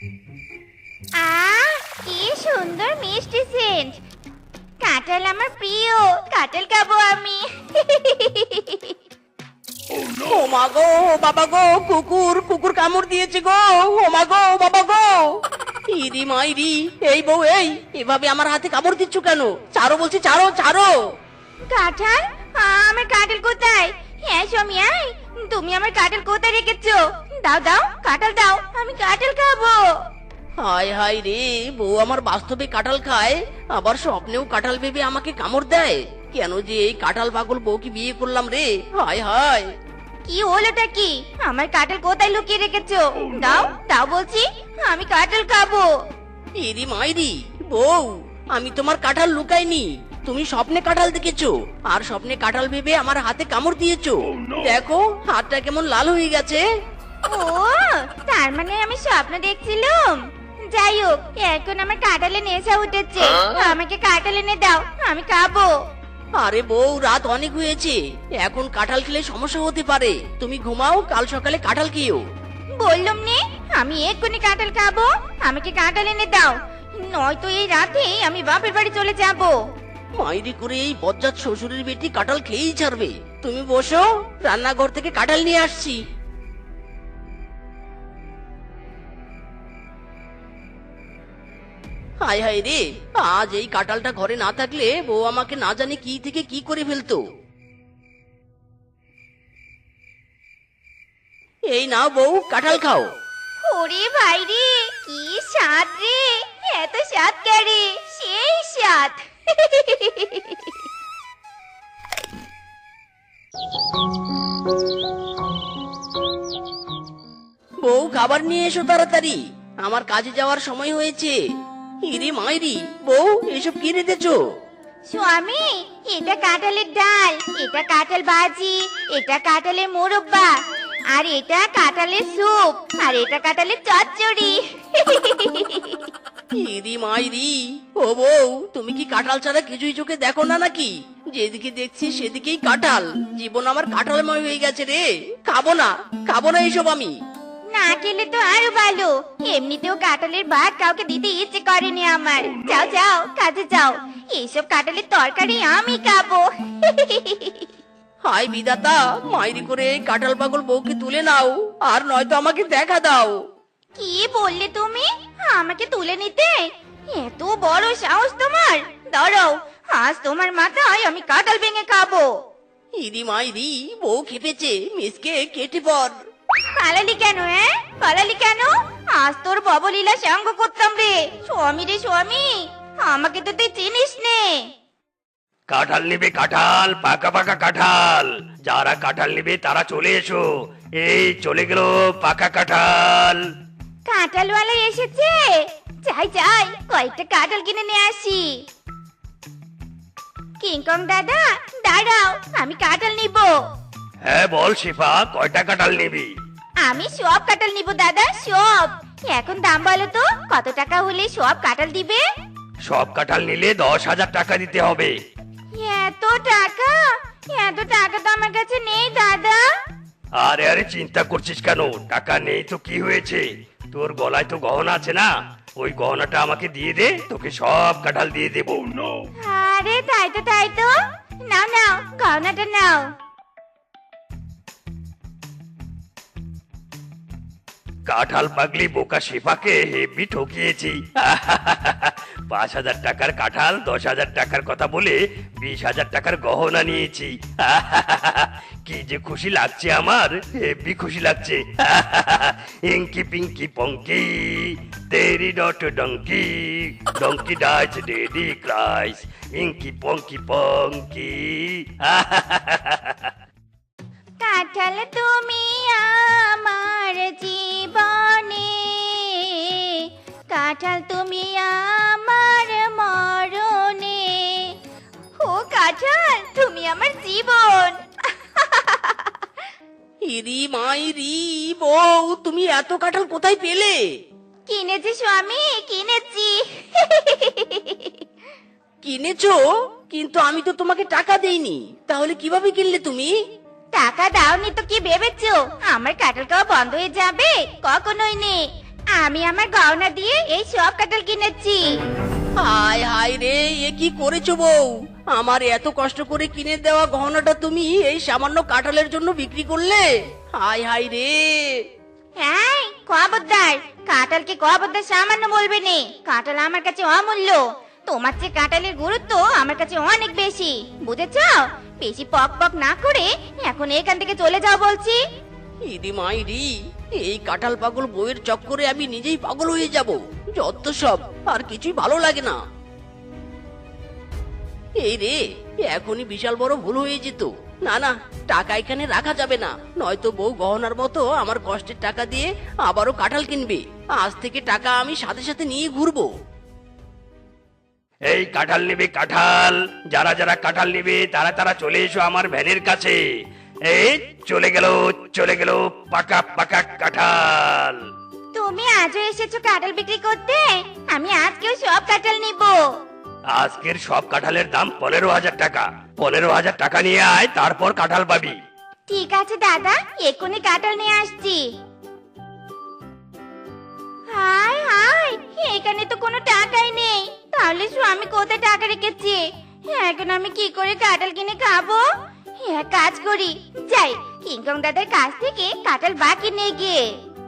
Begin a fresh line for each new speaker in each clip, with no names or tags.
কি সুন্দর মিষ্টি সেন্ট। কাঁঠাল আমার প্রিয়, কাঁঠাল খাবো আমি।
ও মা গো, বাবা গো, কুকুর কুকুর কামড় দিয়েছে গো। ও মা গো, বাবা গো। ইরি মাইরি, এই বউ এই, এভাবে আমার হাতে কামড় দিচ্ছ কেন? ছাড়ো বলছি, ছাড়ো ছাড়ো।
কাঁঠাল? আমার কাঁঠাল কোথায়? হ্যাঁ স্বামী, তুমি আমার কাঁঠাল কোথায় রেখেছো? দাও দাও, কাঁঠাল দাও, আমি কাঁঠাল খাবো।
হায় হায় রে, বউ আমার বাস্তবে কাঁঠাল খায়, আবার স্বপ্নেও কাঁঠাল ভেবে আমাকে কামড় দেয়। কেন যে এই কাঁঠাল পাগল বউকে বিয়ে করলাম রে? হায় হায়।
কি হলোটা কি? আমার কাঁঠাল কোথায় লুকিয়ে রেখেছো? দাও দাও বলছি, আমি কাঁঠাল খাবো।
ইরি মাইরি, বউ আমি তোমার কাঁঠাল লুকাইনি। তুমি স্বপ্নে কাঁঠাল দেখেছো, আর স্বপ্নে কাঁঠাল ভেবে আমার হাতে কামড় দিয়েছো। দেখো হাতটা কেমন লাল হয়ে গেছে।
ও, তার মানে আমি স্বপ্ন দেখছিলাম। যাই হোক, এখন আমার কাঁঠালে নেশা উঠেছে। আমাকে কাঁঠাল এনে দাও, আমি খাবো।
আরে বউ, রাত অনেক হয়েছে, এখন কাঁঠাল খেলে সমস্যা হতে পারে। তুমি ঘুমাও, কাল সকালে কাঁঠাল খেও।
বললাম নে, আমি এক্ষুনি কাঁঠাল খাবো। আমাকে কাঁঠাল এনে দাও, নয়তো এই রাতে আমি বাপের বাড়ি চলে যাব।
মাইরি করে এই বজ্জাত শ্বশুরের বেটি কাঁঠাল খেয়েই ছাড়বে। তুমি বসো, রান্নাঘর থেকে কাঁঠাল নিয়ে আসছি। হায় হায় রে, আজ এই কাঁঠালটা ঘরে না থাকলে বউ আমাকে না জানি কি থেকে কি করে ফেলতো। এই নাও বউ, কাঁঠাল খাও।
ওরে ভাই রে, কি স্বাদ রে! এত স্বাদ কারে, সেই স্বাদ।
বউ খাবার নিয়ে এসো তাড়াতাড়ি, আমার কাজে যাওয়ার সময় হয়েছে। ইরে মাইরি, বউ এসব কি রেঁধেছো?
স্বামী, এটা কাঁঠালের ডাল, এটা কাঁঠাল ভাজি, এটা কাঁঠালের মোরব্বা, আর এটা কাঁঠালের স্যুপ, আর এটা কাঁঠালের চচ্চড়ি।
ইরি মাইরি, ও বউ তুমি কি কাঁঠাল ছাড়া কিছুই চোখে দেখো না নাকি? যেদিকে দেখছি সেদিকেই কাঁঠাল। জীবন আমার কাঁঠালময় হয়ে গেছে রে। খাবো না, খাবো না এসব আমি।
না খেলে তো আরো ভালো। এমনিতেও কাঁঠালের ভাত কাউকে দিতে ইচ্ছে করেনি আমার। যাও যাও, কাজে যাও, এইসব কাঁঠালের তরকারি আমি খাবো।
হাই বিধাতা, মাইরি করে এই কাঁঠাল পাগল বউকে তুলে নাও, আর নয়তো আমাকে দেখা দাও।
কি বললে তুমি? আমাকে তুলে নিতে? এত বড় সাহস তোমার! দাঁড়াও, আজ তোমার মাথায় আমি কাঁঠাল ভেঙে খাবো।
ইরি মাইরি, বউ খেপেছে, মিসকে কেটে পড়।
পালালি কেন? পালালি কেন? আজ তোর ববলীলা সঙ্গ করতাম রে। স্বামী রে স্বামী, আমাকে তো তুই চিনিস নে।
কাঁঠাল নিবে, কাঁঠাল, পাকা পাকা কাঁঠাল। যারা কাঁঠাল নিবে তারা চলে এসো। এই চলে গেল পাকা কাঁঠাল।
কাঁঠালওয়ালা এসেছে। যাই যাই, কয়েকটা কাঁঠাল কিনে নিয়ে আসি। কিংকং দাদা, দাঁড়াও, আমি কাঁঠাল নিব।
হ্যাঁ বল শিফা, কয়টা কাঁঠাল নিবি?
আমি সব কাঁঠাল নিব দাদা, সব। এখন দাম বলো তো, কত টাকা হলে সব কাঁঠাল দিবে?
সব কাঁঠাল নিলে 10,000 টাকা দিতে হবে।
এত টাকা? এত টাকা তো আমার কাছে নেই দাদা।
আরে আরে চিন্তা করছিস কেন? টাকা নেই তো কি হয়েছে? তোর গলায় তো গহনা আছে না, ওই গহনাটা আমাকে দিয়ে দে, তোকে সব কাঁঠাল দিয়ে দেবো।
আরে তাই তো তাই তো, নাও নাও, গহনাটা নাও।
কাঁঠাল পাগলি বোকা শিফাকে হেভি ঠকিয়েছি। 5,000 টাকার কাঁঠাল 10,000 টাকার কথা বলে 20,000 টাকার গহনা নিয়েছি। কি যে খুশি লাগছে আমার, হেভি খুশি লাগছে। ইঙ্কি পিঙ্কি পঙ্কি, তেরি ডট donkey, donkey died daddy cried, inky ponky ponky.
কাঁঠাল তুমি আমার জীবনে, কাঁঠাল তুমি আমার মরণে। ও কাঁঠাল, তুমি আমার জীবন।
ইরি মাইরি, বউ তুমি এত কাঁঠাল কোথায় পেলে?
কিনেছি স্বামী, কিনেছি।
কিনেছো? কিন্তু আমি তো তোমাকে টাকা দেইনি, তাহলে কিভাবে কিনলে তুমি?
টাকা দাওনি তো কি ভেবেছো আমার কাঁঠাল খাওয়া বন্ধ হয়ে যাবে? কখনোই নে। আমি আমার গহনা দিয়ে এই সব কাঁঠাল কিনেছি।
হায় হায় রে, এ কি করেছো বউ? আমার এত কষ্ট করে কিনে দেওয়া গহনাটা তুমি এই সামান্য কাঁঠালের জন্য বিক্রি করলে? হায় হায় রে।
হ্যাঁ, খবরদার, কাঁঠালকে খবরদার সামান্য বলবে নে। কাঁঠাল আমার কাছে অমূল্য। তোমার চেয়ে কাঁঠালের গুরুত্ব আমার কাছে অনেক বেশি, বুঝেছো? বেশি পক পক না করে এখন এখান থেকে চলে যাও বলছি।
ইদি মাইরি, এই কাঁঠাল পাগল বউয়ের চক্করে আমি নিজেই পাগল হয়ে যাব। যত সব, আর কিছুই ভালো লাগে না। এই রে, এখনই বিশাল বড় ভুল হয়ে যেত। না না, টাকা এখানে রাখা যাবে না, নয়তো বউ গহনার মতো আমার কষ্টের টাকা দিয়ে আবারও কাঁঠাল কিনবে। আজ থেকে টাকা আমি সাথে সাথে নিয়ে ঘুরবো।
এই কাঁঠাল নিবে কাঁঠাল, যারা যারা কাঁঠাল নিবে তারা তারা চলে এসো আমার ভ্যানের কাছে। এই চলে গেল পাকা পাকা কাঁঠাল।
তুমি আজও এসেছো কাঁঠাল বিক্রি করতে? আমি আজকেও সব কাঁঠাল নিব।
আজকের সব কাঁঠালের দাম 15,000 টাকা। 15,000 টাকা নিয়ে আয়, তারপর কাঁঠাল পাবি।
ঠিক আছে দাদা, এক্ষুনি কাঁঠাল নিয়ে আসছি। হায় হায়, এখানে তো কোনো টাকাই নেই। তাহলে স্বামী কোথায় টাকা রেখেছে? এখন আমি কি করে কাঁঠাল কিনে খাবো? এক কাজ করি, যাই কিংকং দাদার কাছ থেকে কাঁঠাল বাকি নিয়ে গিয়ে।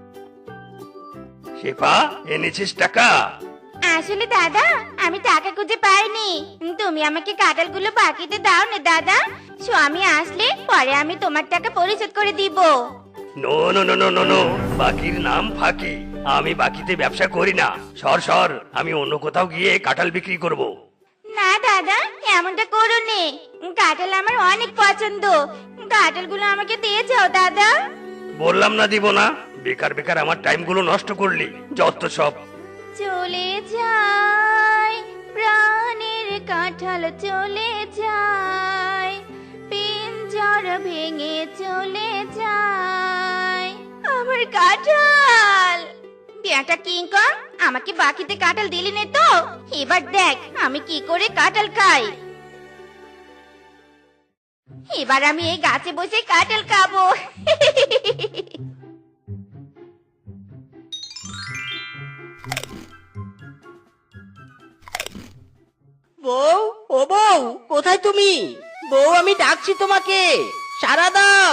শেফা, এনেছিস টাকা?
আসলে দাদা, আমি টাকা খুঁজে পাইনি। তুমি আমাকে কাঁঠালগুলো বাকিতে দাও না দাদা। স্বামী আসলে পরে আমি তোমার টাকা পরিশোধ করে দিব।
No no no no no no, বাকির নাম ফাঁকি। আমি বাকিতে ব্যবসা করি না। সর সর, আমি অন্য কোথাও গিয়ে কাঁঠাল বিক্রি করব।
না দাদা, এমনটা করো নে। কাঁঠাল আমার অনেক পছন্দ। কাঁঠালগুলো আমাকে দিয়ে যাও দাদা।
বললাম না দিব না। বেকার বেকার আমার টাইমগুলো নষ্ট করলি, যত সব।
চলে যায় প্রাণের কাঁঠাল, চলে যায় পিঞ্জর ভেঙে চলে যায় আমার কাঁঠাল। বেটা কিংকং, আমাকে বাকিতে কাঁঠাল দিলি নে তো? এবার দেখ আমি কি করে কাঁঠাল খাই। এবার আমি এই গাছে বসে কাঁঠাল খাবো।
বউ, ও বউ, কোথায় তুমি? বউ, আমি ডাকছি তোমাকে, সাড়া দাও।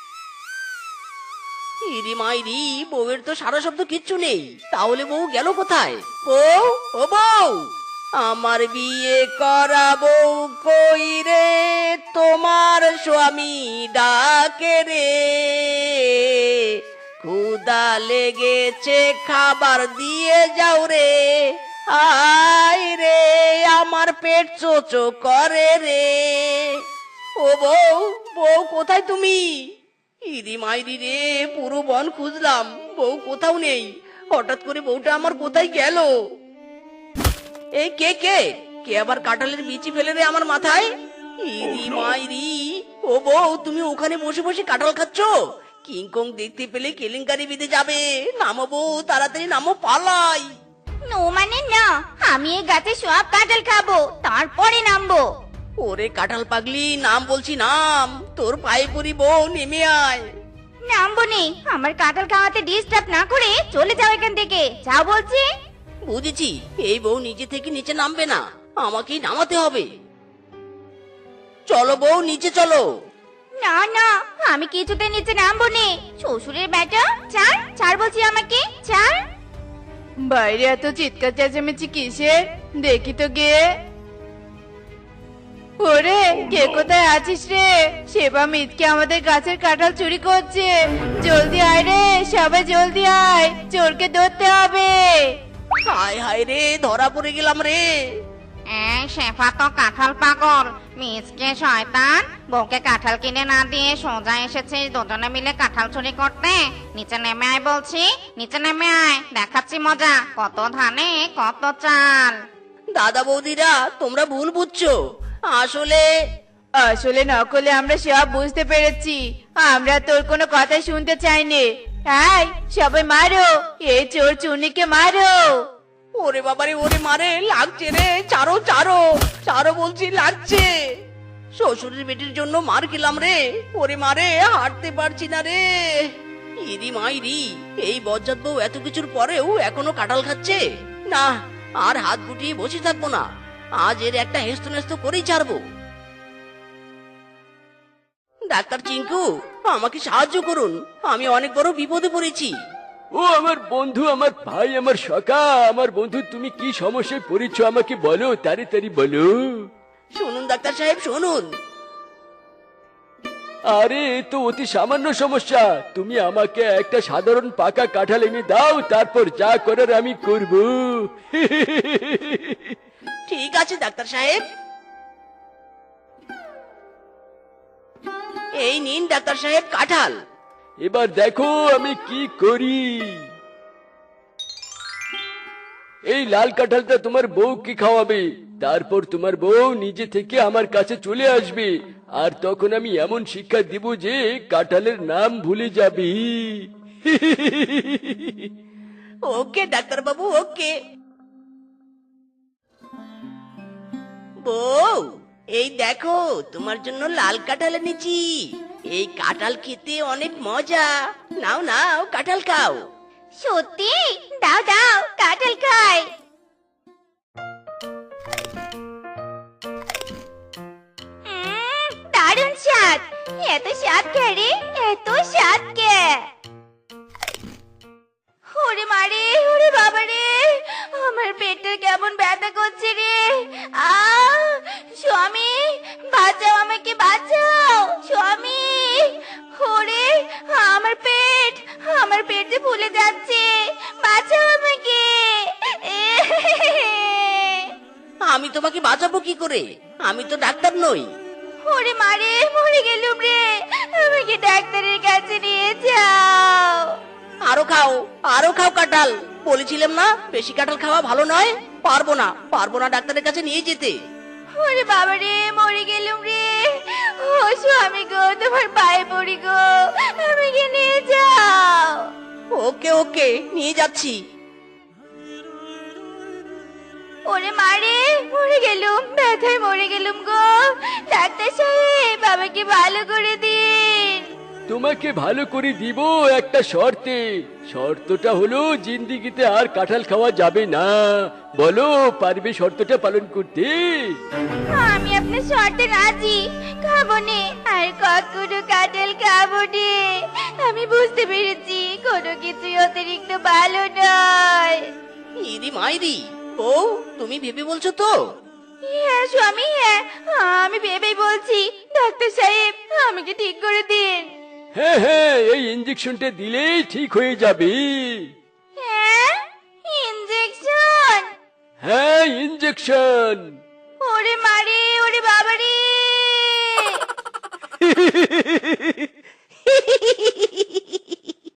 ইরি মাইরি, বউয়ের তো সারা শব্দ কিচ্ছু নেই। তাহলে বউ গেল কোথায়? বউ, ও বউ, আমার বিয়ে করা বউ কই রে? তোমার স্বামী ডাকে রে, ক্ষুধা লেগেছে খাবার দিয়ে যাও রে। আয় রে, আমার পেট চোচো করে রে। ও বউ, বউ কোথায় তুমি? ইরি মাইরি রে, পুরো বন খুঁজলাম, বউ কোথাও নেই। হঠাৎ করে বউটা আমার কোথায় গেল? এই কে কে কে আবার কাঁঠালের বিচি ফেলে রে আমার মাথায়? ইরি মাইরি, ও বউ, তুমি ওখানে বসে বসে কাঁঠাল খাচ্ছ? কিংকং দেখতে পেলে কেলেঙ্কারি বেঁধে যাবে। নামো বউ, তাড়াতাড়ি নামো, পালাই।
নো মানে না, আমি এই গাছে সব কাঁঠাল খাবো, তারপরে নামবো।
ওরে কাঁঠাল পাগলি, নাম বলছি নাম, তোর পায়ে পড়ি বউ, নেমে আয়।
নামবো নি, আমার কাঁঠাল খাওয়াতে ডিস্টার্ব না করে চলে যাও এখান থেকে, যাও বলছি।
বুঝেছি, এই বউ নিজে থেকে নিচে নামবে না, আমাকেই নামাতে হবে। চলো বউ, নিচে চলো।
না না, আমি কিছুতে নিচে নামবো নি। শ্বশুরের বেটা, ছাড় ছাড় বলছি আমাকে, ছাড়।
বাইরে এত চিৎকার চেঁচামেচি কিসের? দেখি তো গিয়ে। ওরে, কে কোথায় আছিস রে? সেবা মিথকে আমাদের গাছের কাঁঠাল চুরি করছে। জলদি আয় রে, সবাই জলদি আয়, চোরকে ধরতে হবে।
হায় হায় রে, ধরা পড়ে গেলাম রে।
এই শেফা তো কাঁঠাল পাগল, মিসকে শয়তান, বউকে কাঁঠাল কিনে না দিয়ে সোজা এসেছিস দুজনে মিলে কাঁঠাল চুরি করতে। নিচে নেমে আয় বলছি, নিচে নেমে আয়, দেখাচ্ছি মজা, কত ধানে কত চাল।
দাদা বৌদিরা, তোমরা ভুল বুঝছো। আসলে
আসলে নকলে আমরা সব বুঝতে পেরেছি। আমরা তোর কোনো কথা শুনতে চাইনি। আয় সবাই মারো, এই চোর চুনিকে মারো।
ওরে বাবারে, ওরে মারে, লাগছে রে, চারো চারো চারো বলছি, লাগছে। শ্বশুরের বেটির জন্য মার খেলাম রে, ওরে মারে, হাঁটতে পারছি না রে। ইরি মাইরি, এই বজ্জাত বউ এত কিছুর পরেও এখনো কাঁঠাল খাচ্ছে। না, আর হাত গুটিয়ে বসে থাকবো না, আজ এর একটা হেস্ত নেস্ত করেই ছাড়বো। ডাক্তার চিঙ্কু, আমাকে সাহায্য করুন, আমি অনেক বড় বিপদে পড়েছি।
ও আমার বন্ধু, আমার ভাই, আমার সখা, আমার বন্ধু, তুমি কি সমস্যায় পড়েছো আমাকে বলো, তাড়াতাড়ি বলো।
শুনুন ডাক্তার সাহেব, শুনুন।
আরে এ তো অতি সামান্য সমস্যা, তুমি আমাকে একটা সাধারণ পাকা কাঁঠাল এনে দাও, তারপর যা করার আমি করব।
ঠিক আছে ডাক্তার সাহেব, এই নিন ডাক্তার সাহেব কাঁঠাল।
এবার দেখো আমি কি করি। এই লাল কাঁঠালটা তোমার বউকে খাওয়াবে, তারপর তোমার বউ নিজে থেকে আমার কাছে চলে আসবে, আর তখন আমি এমন শিক্ষা দিব যে কাঁঠালের নাম ভুলে যাবি।
ওকে ডাক্তার বাবু, ওকে। বউ, এই দেখো তোমার জন্য লাল কাঁঠাল এনেছি। এই কাঁঠাল খেতে অনেক মজা, নাও নাও কাঁঠাল খাও।
সত্যি? দাও দাও, কাঁঠাল খাই। দারুণ স্বাদ। এত স্বাদ কে রে, এত স্বাদ কে? ওরে মারে, ওরে বাবা রে, আমার পেটে কেমন ব্যথা করছে রে। স্বামী, বাঁচাও আমাকে, বাঁচাও স্বামী। ওরে আমার পেট যে ফুলে যাচ্ছে, বাঁচাও আমাকে।
আমি তোমাকে বাঁচাবো কি করে? আমি তো ডাক্তার নই।
ওরে মারে, মরে গেলুম রে, আমাকে ডাক্তারের কাছে নিয়ে যাও।
আরো খাও কাঁঠাল। বলেছিলাম না বেশি কাঁঠাল খাওয়া ভালো নয়। পারবো না ডাক্তারের কাছে নিয়ে যেতে।
ওরে বাবা রে, মরে গেলুম রে। ও স্বামী গো, তোমার পায়ে পড়ি গো, আমাকে নিয়ে যাও।
ওকে ওকে, নিয়ে যাচ্ছি।
ওরে মারে, মরে গেলুম, ব্যথায় মরে গেলুম গো। ডাক্তার সাহেব, আমাকে ভালো করে দিন।
তোমাকে ভালো করে দিব একটা শর্তে। শর্তটা হলো জিন্দিগিতে আর কাঁঠাল খাওয়া যাবে না। বলো, পারবে শর্তটা পালন করতে?
আমি আপনার শর্তে রাজি, খাবো নে, আর কখনো কাঁঠাল খাবো নে। আমি বুঝতে পেরেছি কোনো কিছুই অতিরিক্ত ভালো নয়।
ইরি মাইরি, বউ তুমি ভেবে বলছো তো?
হ্যাঁ স্বামী, হ্যাঁ, আমি ভেবেই বলছি। ডাক্তার সাহেব, আমাকে ঠিক করে দিন।
হ্যাঁ হ্যাঁ, এই ইঞ্জেকশনটা দিলেই ঠিক হয়ে যাবে।
হ্যাঁ, ইনজেকশন?
হ্যাঁ, ইঞ্জেকশন।
ওরে মারে,